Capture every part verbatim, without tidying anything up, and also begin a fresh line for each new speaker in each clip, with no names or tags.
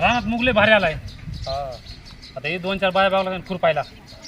रानात मुगले भारी आलाय.
हा
आता हे दोन चार बाया बागला लागेल खुरपायला.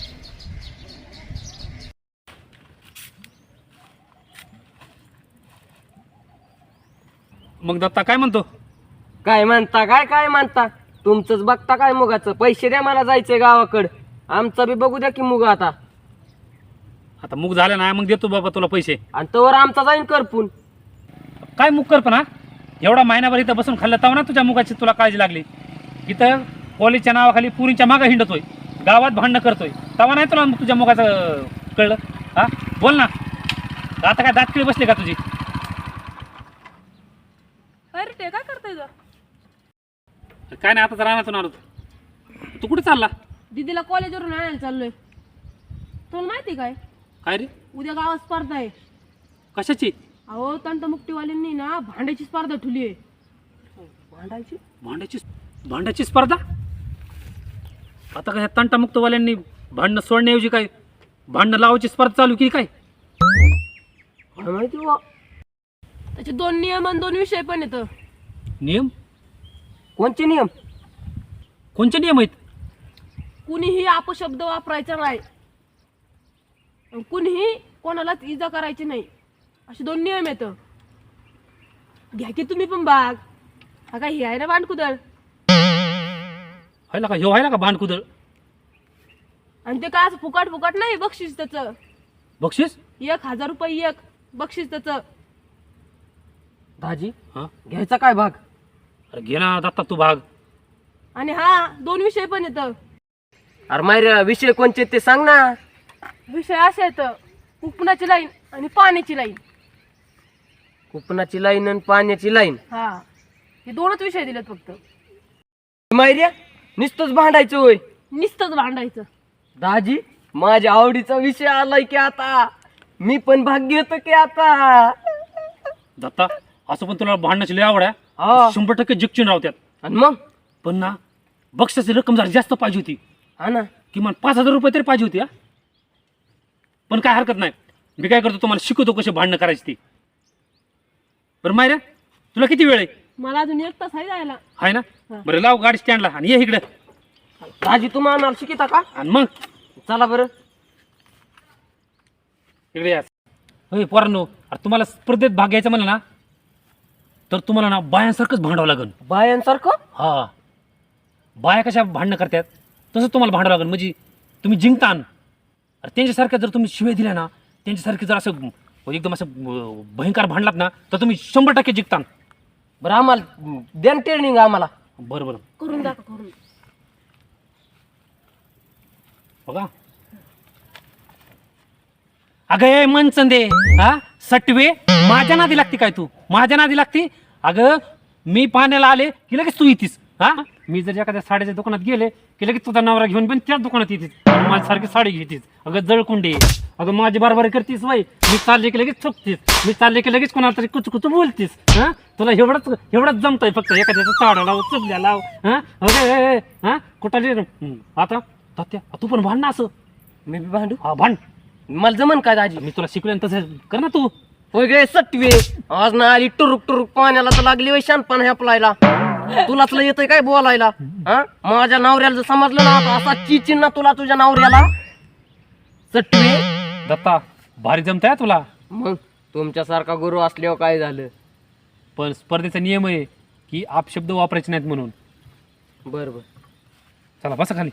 मग दत्ता काय म्हणतो?
काय म्हणता काय काय म्हणता तुमचंच बघता काय मुगाचं. पैसे द्या मला जायचंय गावाकडं. आमचं बी बघू द्या की मुग आता.
आता मुग झालं ना मग देतो बाबा तुला पैसे.
आणि तोवर आमचा जाईन करपून.
काय मुग कर पण हा एवढा महिनाभर इथं बसून खाल्लं तव ना तुझ्या मुगाची तुला काळजी लागली. इथं कॉलेजच्या नावाखाली पुरींच्या मागं हिंडतोय, गावात भांडणं करतोय, तवा नाही तुला तुझ्या मुगाचं कळलं? हा बोल ना. आता काय दात किळी बसले का तुझी?
अरे ते काय करताय ग?
काय नाही आता राहण्यातून आलो. तू कुठे चालला?
दीदीला कॉलेजवरून आणायला चाललोय. तुला माहिती काय
काय रे?
उद्या गावात स्पर्धा आहे.
कशाची?
अहो तंटमुक्तीवाल्यांनी ना भांड्याची स्पर्धा ठेवली आहे.
भांडायची
भांड्याची भांड्याची स्पर्धा? आता काय तंटामुक्तवाल्यांनी भांडणं सोडण्याऐवजी काय भांडणं लावायची स्पर्धा चालू केली काय?
काय माहिती बुवा.
त्याचे दोन नियम आणि दोन विषय पण येतं.
नियम?
कोणचे नियम?
कोणते नियम आहेत?
कुणीही अपशब्द वापरायचा नाही, आणि कुणीही कोणालाच इजा करायची नाही, असे दोन नियम येतं. घ्या की तुम्ही पण भाग. हा काय हे आहे ना भांडकुदळ.
व्हायला का ह्यो व्हायला का भांडकुदळ?
आणि ते काय असं फुकाट फुकाट नाही. बक्षीस त्याचं
बक्षीस?
एक हजार रुपये एक बक्षीस त्याचं.
दाजी
हा
घ्यायचा काय भाग?
अरे घे ना दत्ता तू भाग.
आणि हा दोन विषय पण येतं.
अरे मायऱ्या विषय कोणचे ते सांग ना.
विषय असे येतं, उपनाची लाईन आणि पाण्याची लाईन.
कुपनाची लाईन आणि पाण्याची लाईन.
हा हे दोनच विषय दिलेत फक्त.
मायऱ्या नुसतंच भांडायचं होय?
नुसतंच भांडायचं.
दाजी माझ्या आवडीचा विषय आलाय की आता. मी पण भाग घेतो की आता.
दत्ता असं पण तुला भांडण्याची लय आवड आहे.
हा
शंभर टक्के जिंकून राहत्यात.
आणि मग
पण ना बक्षाची रक्कम जरा जास्त पाहिजे होती.
हा ना
किमान पाच हजार रुपये तरी पाहिजे होती. हा पण काय हरकत नाही. मी काय करतो तुम्हाला शिकवतो कशी भांडणं करायची ती. बरं मायऱ्या तुला किती वेळ आहे?
मला अजून एक तास आहे जायला.
आहे ना?
हा.
बरं लाव गाडी स्टँडला आणि ये इकडे.
दाजी तुम्ही आम्हाला शिकिता का?
आणि मग
चला बरं.
इकडे या. होय पोरांनो, अरे तुम्हाला स्पर्धेत भाग घ्यायचा म्हणलं ना तर तुम्हाला ना बायांसारखंच भांडावं लागेल.
बायांसारखं?
हा बाया कशा भांडणं करतात तसं तुम्हाला भांडावं लागेल. म्हणजे तुम्ही जिंकतान. अरे त्यांच्यासारख्या जर तुम्ही शिव्या दिल्या ना, त्यांच्यासारखे जर असं एकदम असं अं, भयंकर भांडलात ना तर तुम्ही शंभर टक्के जिंकतान.
बरं आम्हाला द्या ट्रेनिंग आम्हाला.
बरं बरं
करून दाखव करून.
बघा. अगं ए मनचंदे, हा सटवे माझ्या नादी लागती काय तू? माझ्या नादी लागती? अगं मी पाण्याला आले की लगेच तू येतीस. हा मी जर एखाद्या साड्याच्या दुकानात गेले की लगेच तुझा नवरा घेऊन पण त्याच दुकानात येतीस. माझ्यासारखी साडी घेतीस. अगं जळकुंडी. अगं माझी बरोबर करतीस वय. मी चालले की लगेच चुकतीस. मी चालले की लगेच कोणाला तरी कुच कुच बोलतीस. हा तुला एवढंच एवढंच जमतंय फक्त. एखाद्याचं चाडा लाव, चुकल्या लाव. हा अगे हा कुठं आता तात्या तू पण भांड ना असं.
मी बी भांडू?
हा भांड.
मला जमन काय दाजी?
मी तुला शिकवेन तसं कर ना तू.
होय गे सटवे. आज ना आली टुरुक टुरुक पाण्याला तर लागली वय शानपण ह्यापलायला. तुलाच लय येतंय काय बोलायला? हा माझ्या नवऱ्याला जर समजलं ना आता असा चिचिन ना तुला तुझ्या नवऱ्याला. सटवे
दत्ता भारी जमताय तुला.
मग तुमच्यासारखा गुरु असल्यावर काय झालं?
पण स्पर्धेचा नियम आहे की अपशब्द वापरायचे नाहीत म्हणून.
बर बर
चला बसा खाली.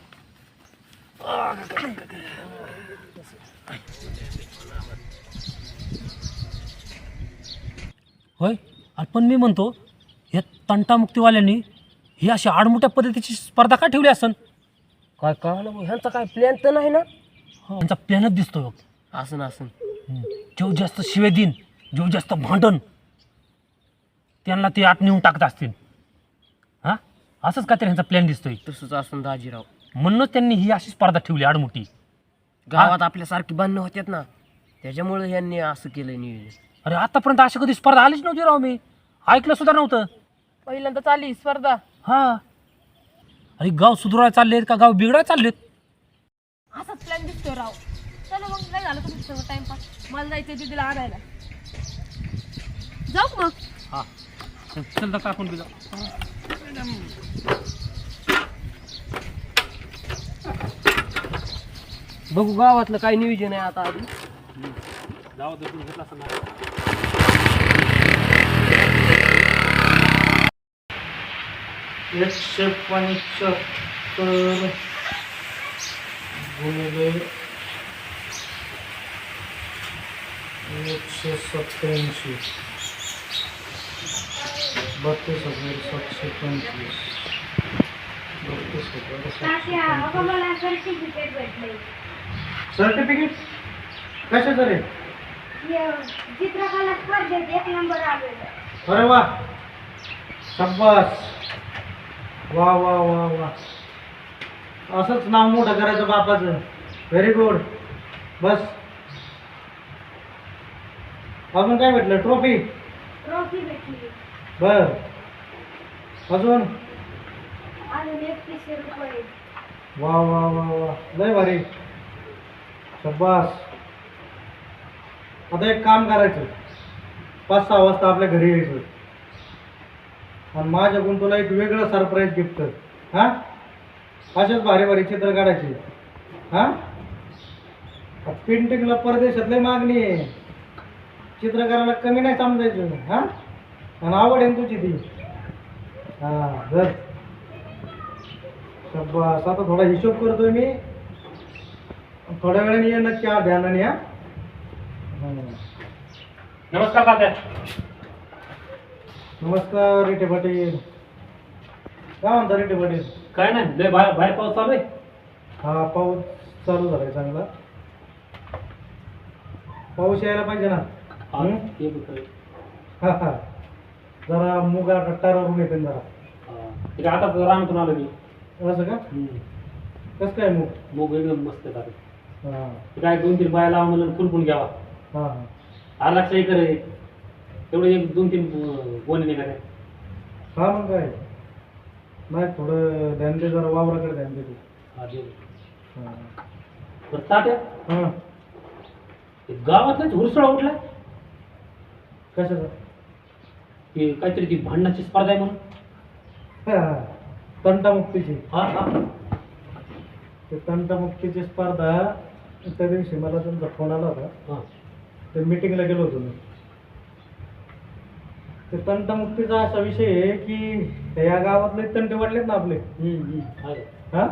होय अरे पण मी म्हणतो या तंटामुक्तीवाल्यांनी ही अशी आडमोठ्या पद्धतीची स्पर्धा का ठेवली असन?
काय कळलं मग? ह्यांचा काय प्लॅन तर नाही ना?
त्यांचा प्लॅनच दिसतोय बघ.
असं असं
जेव जास्त शिवे दिन, जेव जास्त भांडण त्यांना ते आत नेऊन टाकत असतील. हा असंच का तरी ह्यांचा प्लॅन दिसतोय.
तसंच असून दाजीराव.
म्हणूनच त्यांनी ही अशी स्पर्धा ठेवली आडमोठी.
गावात आपल्यासारखी बांधणं होत्यात ना, त्याच्यामुळे यांनी असं केलं नियोजन.
अरे आतापर्यंत अशी कधी स्पर्धा आलीच नव्हती राव. मी ऐकलं सुद्धा नव्हतं.
पहिल्यांदा चालली स्पर्धा.
हा अरे गाव सुधारायला चाललेत का गाव बिघडायला चाललेत?
असाच प्लॅन दिसतोय राव. चला मग काय झालं तुमचं सगळं टाइमपास. मला जायचंय दीदीला आणायला. जाऊ का मग?
हा चल दत्ता आपण बी जाऊ.
बघू गावातलं काय नियोजन आहे आता आधी.
जाऊ दे, तू घेतला असं ना.
एकशे पंच्याहत्तर गुणिले एकशे सत्याऐंशी बत्तीस हजार सातशे पंचवीस बत्तीस हजार सातशे पंचवीस. सर्टिफिकेट कशाचं रे?
चित्रकला स्पर्धेत एक नंबर आलेला.
अरे वा, शाबास, वा वा वा वा. असंच नाव मोठं करायचं बापाचं. Very good. बस अजून काय भेटलं? ट्रॉफी?
ट्रॉफी भेटली.
बर, अजून?
अजून एकतीसशे रुपये.
वा वा वा वा, लय भारी, शाबास. आता एक काम करायचं, पाच सहा वाजता आपल्या घरी यायचं आणि माझ्याकडून तुला एक वेगळं सरप्राईज गिफ्ट. हां, अशाच भारी भारी चित्र काढायची. हां, पेंटिंगला परदेशातली मागणी आहे, चित्रकाराला कमी नाही समजायचं. हां, आणि आवड आहे ना तुझी ती. हां, जर शाबास. आता थोडा हिशोब करतोय मी, थोड्या वेळाने ये नक्की. हा, ध्यानाने. हा,
नमस्कार तात्या.
नमस्कार रेटे पाटील. काय म्हणता रेटे पाटील?
काय नाही, लय बाहेर बाहेर पाऊस चालू आहे.
हा, पाऊस चालू झालाय चांगला. पाऊस यायला पाहिजे ना.
हा,
हं?
ते बी खरं.
हा हा, जरा मुगा कट्टारावरून येते ना जरा.
हा. ठीक आहे, आता रानातून आलो मी.
असं का?
हम्म.
कसं काय मूग?
मूग एकदम मस्त आहे तात्या.
हा
ते काय दोन तीन बाया लावा म्हणून फुलपून घ्यावा.
हा हा.
आला लक्ष करे तेवढे एक दोन तीन गोणे निघाले.
हा, मग काय नाही, थोडं ध्यान दे, जरा वावराकडे ध्यान दे तू.
हा, दे.
हा
बरं तात्या,
हा.
ते गावातलाच हुरसळा उठला
कशाचं?
की काहीतरी ती भांडणाची स्पर्धा आहे म्हणून.
हा, तंटामुक्तीची.
हा हा.
ते तंटामुक्तीची स्पर्धा, त्या दिवशी मला तुमचा फोन आला होता,
हा.
ते मीटिंगला गेलो होतो मी. ते तंटामुक्तीचा असा विषय आहे की या गावातले तंटे वाढलेत ना आपले.
हम्म, हम्म. आहे.
हा,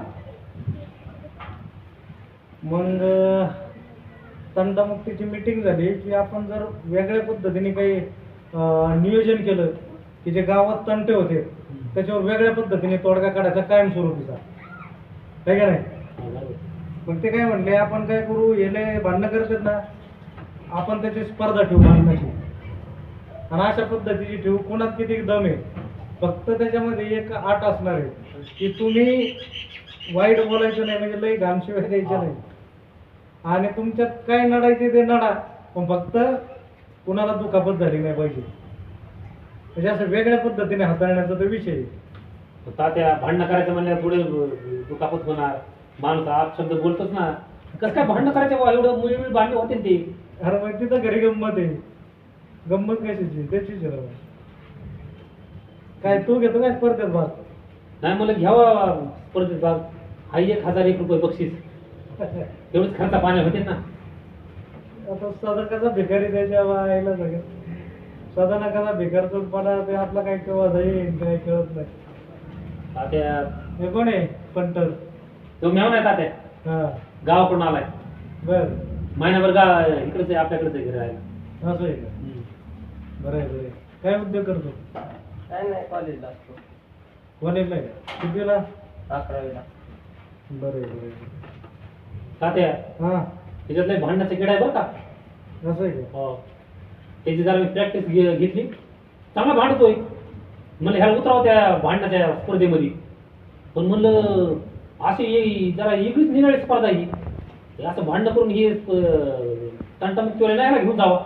मग अं, तंटामुक्तीची मीटिंग झाली की आपण जर वेगळ्या पद्धतीने काही अं, नियोजन केलं की जे गावात तंटे होते त्याच्यावर वेगळ्या पद्धतीने तोडगा काढायचा कायमस्वरूपीचा, आहे का नाही?
हा, बरोबर.
मग ते काय म्हणले, आपण काय करू, येले भांडणं करतात ना, आपण त्याची स्पर्धा ठेवू भांडणाची, आणि अशा पद्धतीची ठेवू. कोणात किती दम आहे, फक्त त्याच्यामध्ये एक आट असणार आहे की तुम्ही वाईट बोलायचं नाही, म्हणजे लई घामशिवाय द्यायचं नाही, आणि तुमच्यात काय नडायचे ते नडा, पण फक्त कुणाला दुखापत झाली नाही पाहिजे. म्हणजे असं वेगळ्या पद्धतीने हाताळण्याचा तो विषय आहे.
तात्या, भांडणं करायचं म्हणल्यावर पुढे दुखापत होणार, माणूस आप शब्द बोलतोच ना. कसं काय भांडणं करायचं बा, एवढं मुली मुली भांडणे होते ना ते.
अरे मग तिथं घरी गंमत आहे. गंमत कशाची? त्याचीच आहे राव. काय तू घेतो काय स्पर्धेत भाग?
नाही, मला घ्यावा स्पर्धेत भाग. हा, एक हजार एक रुपये बक्षीस, तेवढेच खर्चा पाण्या होते ना.
आता साधा कसा भिकारी त्याच्या आईला सगळं साधा ना कसा भिकार पडा, ते आपला काय केव्हा जाईल काय कळत नाही.
तात्या,
हे कोण आहे पंटर?
तो मेव नाही तात्या,
हा,
गावाकडून आलाय.
बर,
महिनाभर गा इकडेच आहे, आपल्याकडेच आहे, घरी राहायला.
असं आहे का?
हम्म.
बरं आहे, बरं आहे. काय उद्योग करतो?
काय नाही, कॉलेजला असतो.
कॉलेजला आहे का? कितवीला?
अकरावीला.
बरं आहे, बरं आहे.
तात्या,
हा,
त्याच्यातले भांडणाचे किडा आहे बरं का.
असं आहे का?
हो, त्याची जरा मी प्रॅक्टिस घेतली, चांगला भांडतोय. म्हणलं ह्याला उतरावं त्या भांडणाच्या स्पर्धेमध्ये, पण म्हणलं अशी ये जरा वेगळीच निराळी स्पर्धा ही, हे असं भांडणं करून हे तंटामुक्तीवाले नाही ह्याला घेऊन जावा.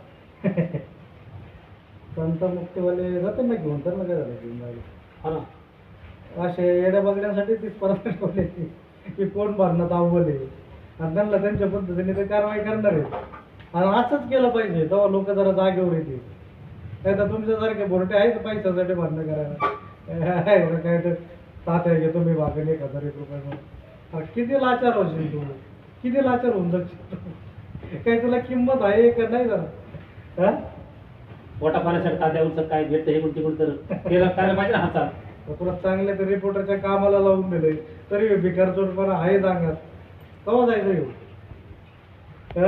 तंटामुक्तीवाले जाते ना घेऊन, तर ना काय झालं घेऊन जायला.
हा ना.
असे येड्या बघण्यासाठी ती स्पर्धा ठेवली की कोण भरण्यात अव्वल आहे, आणि त्यांना त्यांच्या पद्धतीने ते कारवाई करणार आहे. आणि असंच केलं पाहिजे, तेव्हा लोक जरा जागेवर येतील. नाही तर तुमच्यासारखे बोरटे आहेत पैशासाठी भरणं करायला, काय तर तात्या घेतो मी भागेल एक हजार एक रुपये म्हणून. अरे किती लाचार होशील तू. किती लाचार होऊन जाईल काय तुला किंमत आहे का नाही जरा हा
पोटा पाण्यासाठी तात्यावरचं काय भेटतं हे कोणती कोण तर त्याला करायला पाहिजे ना हातात.
तर तुला चांगल्या तर रिपोर्टरच्या कामाला लावून दिले तरी भिकार चोटपणा आहे सांगत केव्हा जायचं येऊ हा?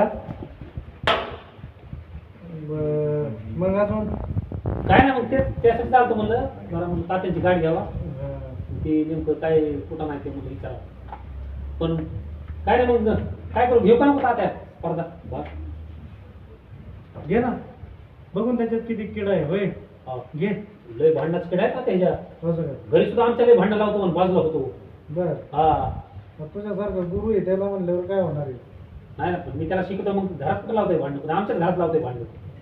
बरं. मग अजून
काय ना मग ते त्यासाठी चालतो म्हणलं जरा म्हणलं तात्यांची गाडी घ्यावा
हा.
ते नेमकं काय कुठं नाही ते म्हणलं विचारा. पण काय नाही मग काय करू घेऊ का नको तात्या स्पर्धा बा
घे ना बघून त्याच्यात किती किडा आहे होय
हा.
घे
लय भांडणाचं किडा आहे का त्याच्या
असं काय
घरी सुद्धा आमच्या लय भांडण लावतो म्हणून बाजूला होतो.
बर
हा
मग तुझ्यासारखा गुरु आहे त्याला म्हणल्यावर काय होणार आहे
नाही ना पण मी त्याला शिकवतो मग घरात कुठं लावतोय भांडण पण आमच्याच घरात लावतोय भांडण.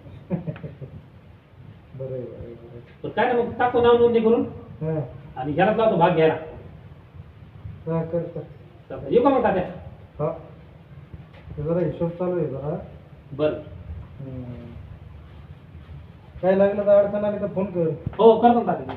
बरं आहे, बरं आहे, बरं
पण काय ना मग टाकतो नाव नोंदणी करून
आहे. हा
आणि घरात लावतो भाग घ्यायला.
हा, कर कर
चालतंय. येऊ का मग तात्या.
हा ते जरा हिशोब चालू आहे जरा
बरं
हम्म. काय लागलं तर अडचण आली तर फोन कर
हो करतो ना तात्या.